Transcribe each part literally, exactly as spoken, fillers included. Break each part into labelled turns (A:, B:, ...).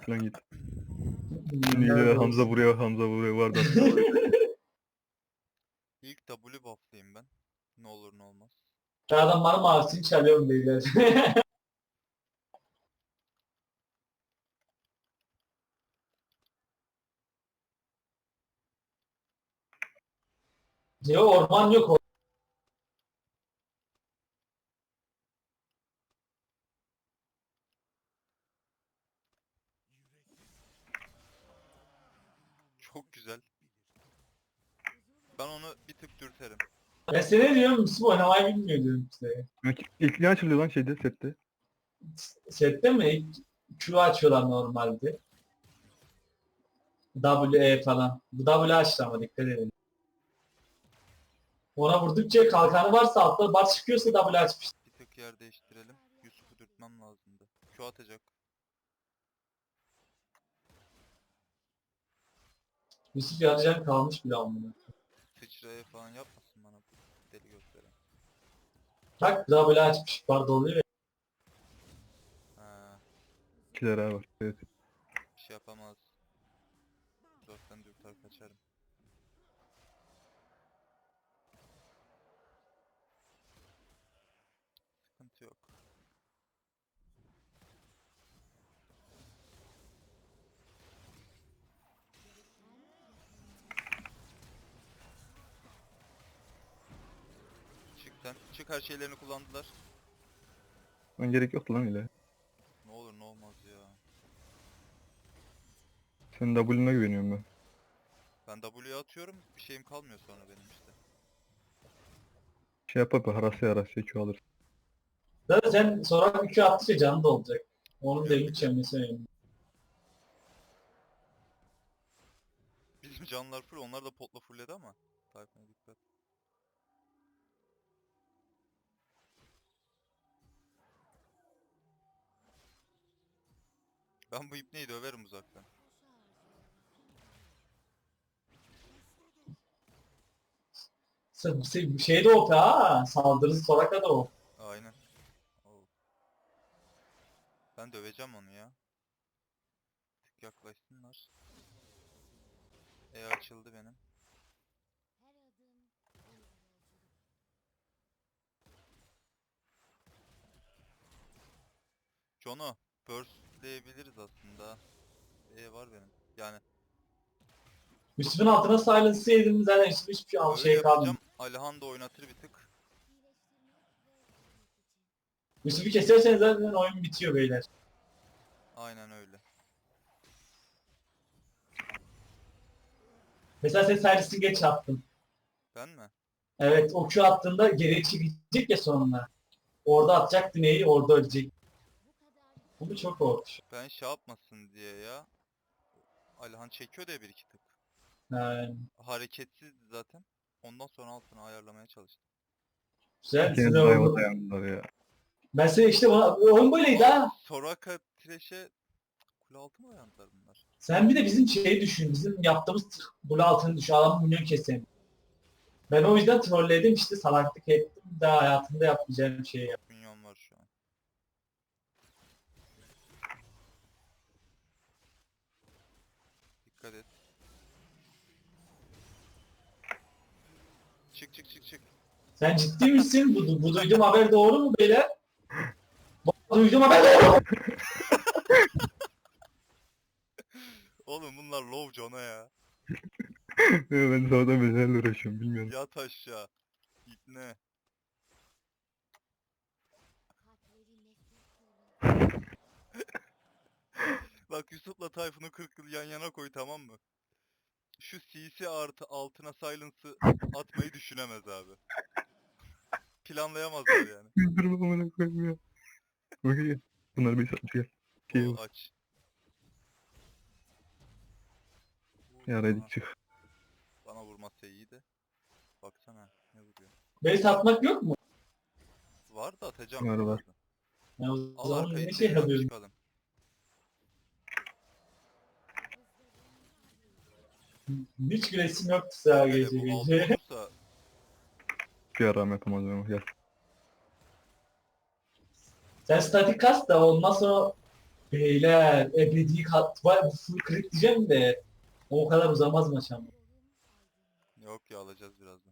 A: falan git. Şimdi yine Hamza vuruyor, Hamza vuruyor var da.
B: İlk W buff'layayım ben. Ne olur ne olmaz.
C: Ben adam bana mavisini çalıyorum beyler. Yok orman yok.
B: Çok güzel. Ben onu bir tık dürterim.
C: Ben sana ne diyorum? Müslüm oynamayı bilmiyor diyorum size.
A: İlk ne açılıyor lan şeyde, sette?
C: Sette mi? İlk Q açıyorlar normalde. W, E falan. Bu W açtı ama dikkat edin. Ona vurdukça kalkanı varsa altta bar çıkıyorsa W açmış.
B: Bir tık yer değiştirelim. Yusuf'u dürtmem lazımdı. Q atacak.
C: Yusuf yarıcan kalmış bile amına.
B: Sıçraya falan yapmasın bana bu deli gösteren.
C: Bak W açmış. Bar doluyor ya.
B: Ha,
A: İkiler abi var. Evet.
B: bir şey yapamaz. Uzaktan dürter kaçarım. Sıkıntı yok. Çık sen. Çık, her şeylerini kullandılar.
A: Lan gerek yoktu lan öyle.
B: Ne olur ne olmaz ya.
A: Senin W'una güveniyorum ben.
B: Ben W'ye atıyorum. Bir şeyim kalmıyor sonra benim işte.
A: Şey yap yap, harasya harasya Q alır.
C: Zaten sen sonra Q attıkça canı da olacak. Onun
B: Yok,
C: devlet
B: yok.
C: çemmesi önemli.
B: Bizim canlar full. Onlar da potla fullledi ama. Tayfun'a dikkat. Ben bu ipneyi döverim uzaktan.
C: Şey, şey de O P ha. Saldırısı Soraka da O.
B: Aynen. Oo. Ben döveceğim onu ya. Tık yaklaşsınlar. E açıldı benim. Jono, burstleyebiliriz aslında. E var benim. Yani
C: Müslüm'ün altına silence'ı yedim zaten hiçbir hiçbir şey,
B: öyle
C: şey kalmadı.
B: yapacağım. Alihan da oynatır bir tık.
C: Müslüm'ü keserseniz zaten oyun bitiyor beyler.
B: Aynen öyle.
C: Mesela sen silence'ı geç attın.
B: Ben mi?
C: Evet o Q attığında geriye çekecek ya sonuna. Orada atacak dineyi orada ölecek. Bu çok korkunç.
B: Ben şey yapmasın diye ya. Alihan çekiyor da bir iki tık.
C: Yani,
B: Hareketsizdi zaten. Ondan sonra altını ayarlamaya çalıştım.
C: güzel
A: İkiniz
C: size
A: de ayva
C: oldu.
A: dayandılar ya.
C: Ben size işte bana, oyun böyleydi
B: Aa,
C: ha.
B: Soraka Thresh'e kule altı mı dayandılar bunlar?
C: Sen bir de bizim şeyi düşün. Bizim yaptığımız bulu altını düşün. Adam milyon keselim. Ben o yüzden trolledim işte salaklık ettim. Daha hayatımda yapmayacağım şeyi yaptım.
B: Minyon var şu an. Dikkat et. Çık çık çık çık.
C: Sen ciddi misin? Bu, bu duyduğum haber doğru mu beyler? Bu duyduğum haber doğru mu?
B: Oğlum bunlar low Jono ya.
A: Ben sabahtan beri uğraşıyorum bilmiyorum.
B: Yat aşağı. İpne. Bak Yusuf'la Tayfun'u kırk yıl yan yana koy, tamam mı? Şu C C artı altına silence'ı atmayı düşünemez abi. Planlayamazlar yani.
A: Güldürme amına koyayım ya. Okey gel. Bunları bir satmış gel. Şey
B: O
A: vur.
B: aç.
A: Ya
B: Aha,
A: Redik çık.
B: bana vurmazsa iyi de. Baksana ne vuruyor.
C: Beni satmak yok mu?
B: Var da atacağım
A: Var, var.
B: birazdan.
C: Ya o
B: Al
C: zaman
B: arkayı
C: ne şey
B: tekrar
C: yapıyorum?
B: çıkalım.
C: Hiç gülesim yoktu daha
B: Hele
C: gece
B: bu altı
C: gece.
B: olursa
A: Bir aram yapamaz ama gel.
C: Sen statik kas da ondan sonra Beyler ebedi kat var bu full crit diyeceğim de o kadar uzamaz maç ama.
B: Yok ya, alacağız birazdan.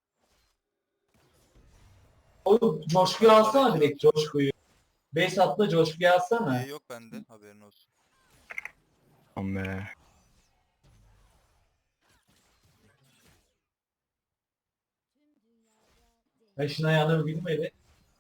C: O coşkuyu
B: Ben
C: alsana
B: parayı
C: direkt
B: atıyorum.
C: coşkuyu. Base atla coşkuyu
B: E
C: alsana.
B: yok bende, haberin olsun.
A: Aman be.
C: Ben şuna ayağına bir gülmedi.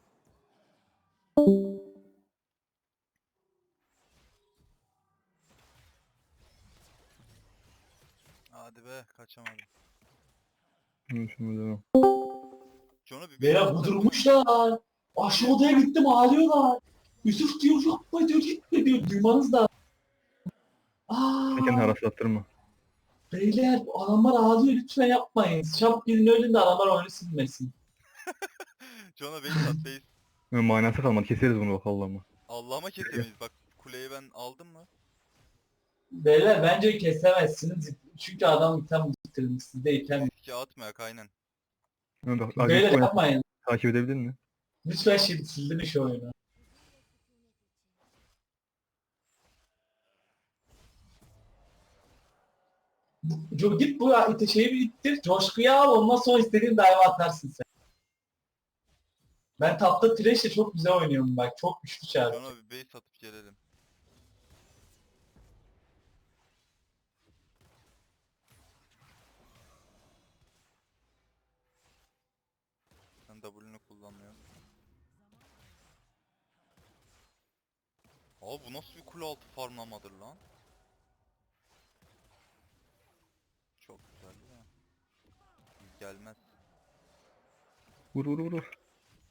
B: Hadi be, kaçamadım.
A: Şunu şunu devam.
B: Jono bir base
C: Beyler
B: atsana.
C: budurmuşlar. Aşağı odaya gittim ağlıyorlar. Yusuf diyor yapma diyor gitme diyor. Duymanız da.
A: Kendini
C: Aa,
A: haraslattırma.
C: beyler adamlar ağlıyor lütfen yapmayın. Çabuk gidin ölün de adamlar oyunu silmesin.
B: Jono base at base.
A: Böyle manası kalmadı. Keseriz bunu bak Allah'ıma.
B: Allah'ıma kesemeyiz bak. Kuleyi ben aldım mı?
C: Beyler bence kesemezsiniz. Çünkü adam item bitirmiş. Sizde item.
B: Riske atmayak aynen.
A: Ama bak
C: Beyler
A: agresif oynat.
C: yapmayın.
A: Takip edebildin mi?
C: Lütfen şimdi sildin şu oyunu. Bu- Git bu ite şeyi bir ittir. Coşkuyu al ondan sonra istediğin dive atarsın sen. Ben tapta Thresh'le çok güzel oynuyorum bak. Çok güçlü çağrı.
B: Jono bir base atıp gelelim. Sen W'nü kullanmıyorsun. Abi bu nasıl bir kule altı farmlamadır lan? Çok güzel ya. Gelmez.
A: Vur vur vur. vur.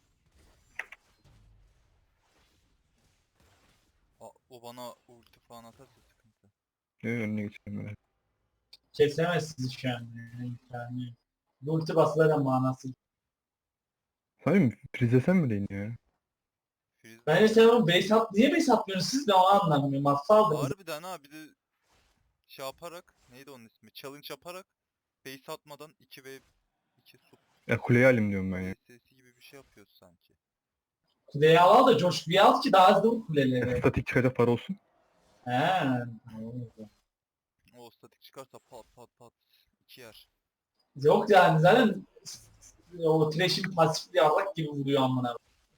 B: Aa, o bana ulti falan atarsa sıkıntı.
A: Ee, önüne geçelim böyle.
C: Kesemezsiniz şu an. Yani. Yani. Bu ulti basılar da manası.
A: Sahi Prizesen mi değil ya?
B: Freeze
C: Bence sen onu base at. Niye base atmıyorsunuz siz de onu anlamıyorum. Hatta aldınız.
B: harbiden ha, bir de şey yaparak, neydi onun ismi? Challenge yaparak base atmadan iki ve iki sup
A: Ya kuleyi alayım diyorum ben ya.
B: sesi gibi bir şey yapıyoruz sanki.
C: Kuleyi al da coşkuyu al ki daha hızlı vur kuleleri.
A: Statik çıkacak para olsun.
C: He.
B: O statik çıkarsa pat pat pat iki yer.
C: Yok yani zaten o Thresh'in pasifli yarrak gibi vuruyor amına.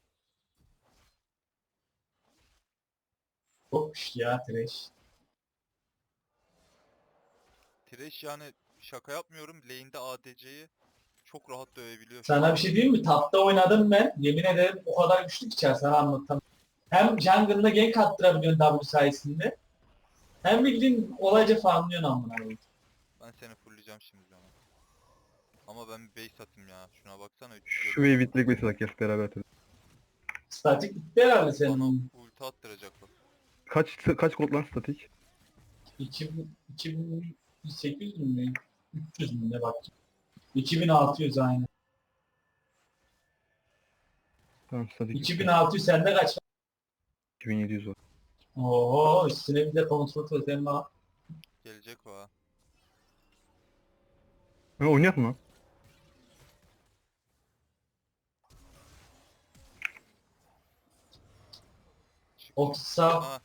C: Çok güçlü ya Thresh.
B: Thresh yani şaka yapmıyorum, lane'de A D C'yi çok rahat dövebiliyor.
C: Sana bir şey diyeyim mi? Tapta oynadım ben. Yemin ederim o kadar güçlü ki içer sana anlatamam. Hem jungle'ına gank attırabiliyorsun W sayesinde. Hem bildiğin kolayca farmlıyorsun amına koyayım.
B: Ben seni fullleyeceğim şimdi canım. Ama ben bir base atayım ya. Şuna baksana. üç yüz
A: Şu wave'i bitlik bir salak gel beraber atalım.
C: Statik bitti herhalde
B: Bana
C: senin.
B: ulti attıracak bak.
A: Kaç kaç gold lan statik?
C: iki bin, iki bin sekiz yüz mü? üç yüz mü ne bak. iki bin altı yüz aynı.
A: Tamam statik.
C: iki bin altı yüz sende kaç?
A: iki bin yedi yüz var.
C: Oo üstüne bir de kontrol totem var.
B: Gelecek o ha.
A: Ha oynayak mı lan?
B: Çık.
C: otuz sağ.
B: Ha.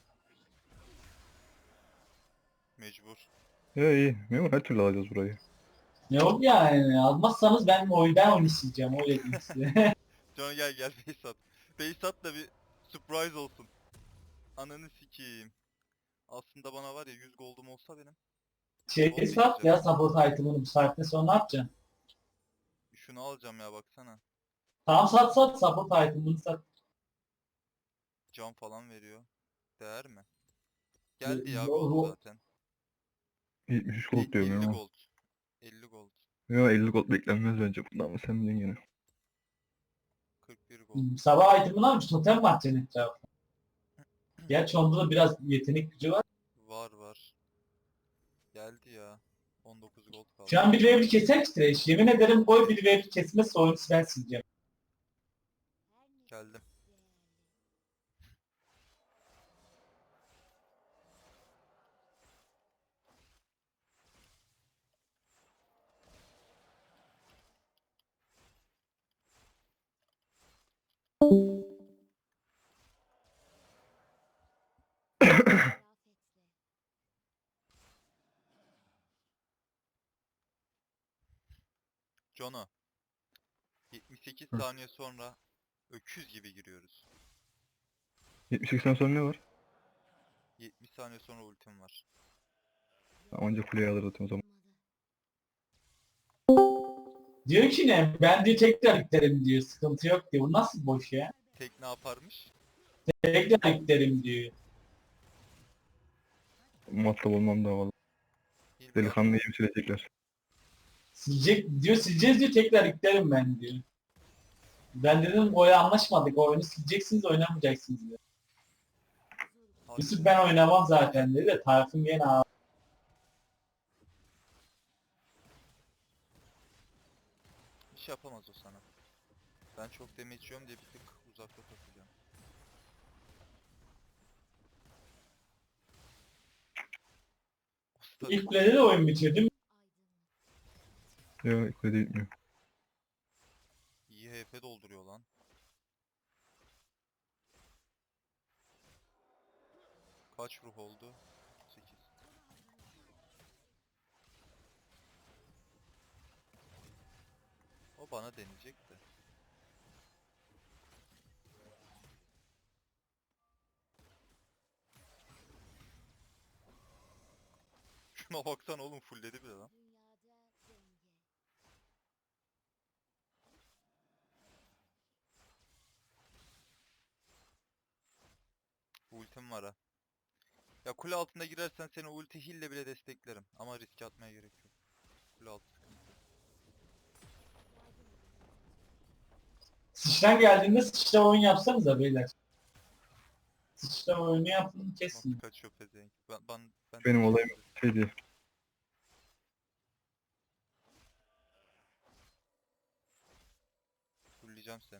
B: Mecbur.
A: Ya iyi. Memur her türlü alacağız burayı.
C: Ne oldu yani? Almazsanız ben oy ben oynayacağım öyle diyeyim size.
B: Can gel gel base at. Base at da bir surprise olsun. Ananı sikeyim. Aslında bana var ya yüz gold'um olsa benim.
C: Şey sat ya support item'ını bu saatten sonra ne yapacaksın?
B: Şunu alacağım ya, baksana.
C: Tamam sat sat support item'ını sat.
B: Can falan veriyor. Değer mi? Geldi ya
C: Ro-
B: gold
C: ro-
B: zaten.
A: yetmiş üç gold diyorum
B: elli
A: ya.
B: gold. elli gold.
A: Ya elli gold beklenmez bence bundan ama sen bilin gene.
B: kırk bir gold.
C: Hmm, Sabah item'ını almış totem mi atacaksın etrafına? Gerçi onda da biraz yetenek gücü var.
B: Var var. Geldi ya. on dokuz gold kaldı.
C: Şu an bir ve bir keser ki Thresh. Yemin ederim koy bir ve bir kesmezse oyunu ben sileceğim.
B: Geldim. Jono. yetmiş sekiz
A: Hı.
B: saniye sonra öküz gibi giriyoruz.
A: yetmiş seksen sonra ne var?
B: yetmiş saniye sonra ultim var.
A: Ancak kuleyi alır zaten o zaman.
C: Diyor ki ne? Ben diyor tekrar yüklerim diyor. Sıkıntı yok diyor. Bu nasıl boş ya?
B: Tek ne yaparmış?
C: Tekrar yüklerim diyor.
A: Muhatap olmam da valla.
B: Hilbert,
A: Delikanlıyı yem silecekler.
C: Silecek diyor, sileceğiz diyor, tekrar yüklerim ben diyor. Ben dedim oya anlaşmadık, o oyunu sileceksiniz, oynamayacaksınız diyor.
B: hadi.
C: Yusuf ben oynamam zaten dedi de Tayfun gene ağır.
B: Bir şey yapamaz o sana. Ben çok damage yiyorum diye bir tık uzakta takılıyorum. Usta
C: İlk kulede de oyun bitiyor değil mi?
A: Ya kulede gitmiyor.
B: iyi H P dolduruyor lan. Kaç ruh oldu? sekiz. O bana deneyecek de. Şuna baksana oğlum, fullledi bile lan. Ultim var ha. Ya kule altında girersen seni ulti hille bile desteklerim. Ama riske atmaya gerek yok. Kule altı sıkıntı.
C: Sıçran geldiğinde sıçra oyun yapsanıza beyler. Sıçra oyunu yapın
B: Nasıl
C: kesin.
B: kaçıyor pezevenk. Ben, ben, ben
A: Benim olayım şey diye.
B: Fullleyeceğim seni.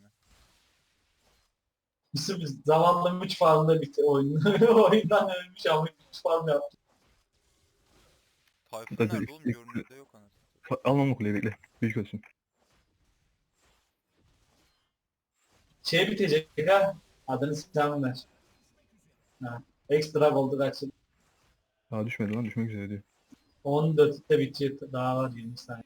C: Yusuf zavallı üç farmda bitti oyunu. Oyundan ölmüş ama üç farm yaptı.
B: Tayfun
A: Zaten
B: nerede oğlum?
A: ilk-
B: Görünürde yok anasını.
A: Fa- Almam o kuleyi bekle. Büyük olsun.
C: Şey bitecek ha. Adını sen ver. Ha. Ekstra oldu kaçın.
A: Daha düşmedi lan, düşmek üzere diyor.
C: on dörtte bitiyor. Daha var yirmi saniye.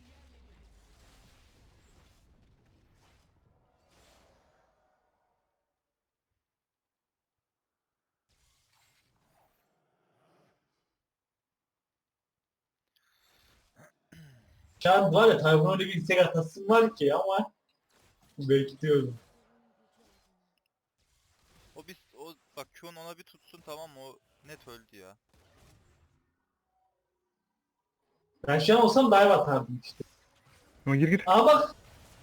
C: Şu an var ya Tayfun'a öyle bir istek atasım var ki ama bekliyorum.
B: O bir o bak Q'un ona bir tutsun, tamam mı? O net öldü ya.
C: Ben şu an olsam dive atardım işte.
A: Ama gir gir.
C: Ama bak.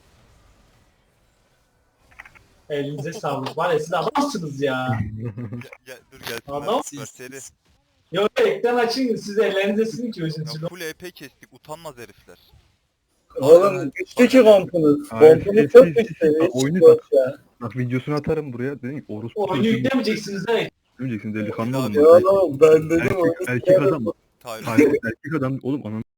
C: Elinize sağlık. Var ya siz adamsınız ya.
B: Gel, gel dur gelsin.
C: Adam-
B: Ver, seri.
C: Yok ekran açın siz ellerinize silin ki özün
B: Ya full E P kestik, utanmaz herifler.
D: Oğlum güçlü ki kompunuz.
A: Hayır,
D: Kompunuz
A: siz-
D: çok
A: siz-
D: güçlü.
A: siz-
D: Hiç
A: oyunu
D: boş
A: bak.
D: ya.
A: Bak videosunu atarım buraya. Dedim ki orospu
C: Oyunu
A: çocuğu
C: yüklemeyeceksiniz evet.
A: Ölmeyeceksin delikanlı
B: Ya
A: olun.
D: Ya
A: bak.
D: oğlum ben dedim
A: Erkek,
D: oyunu
A: erkek
D: sikerim.
A: adam.
B: Tayfun.
A: Hayır, erkek adam oğlum ananı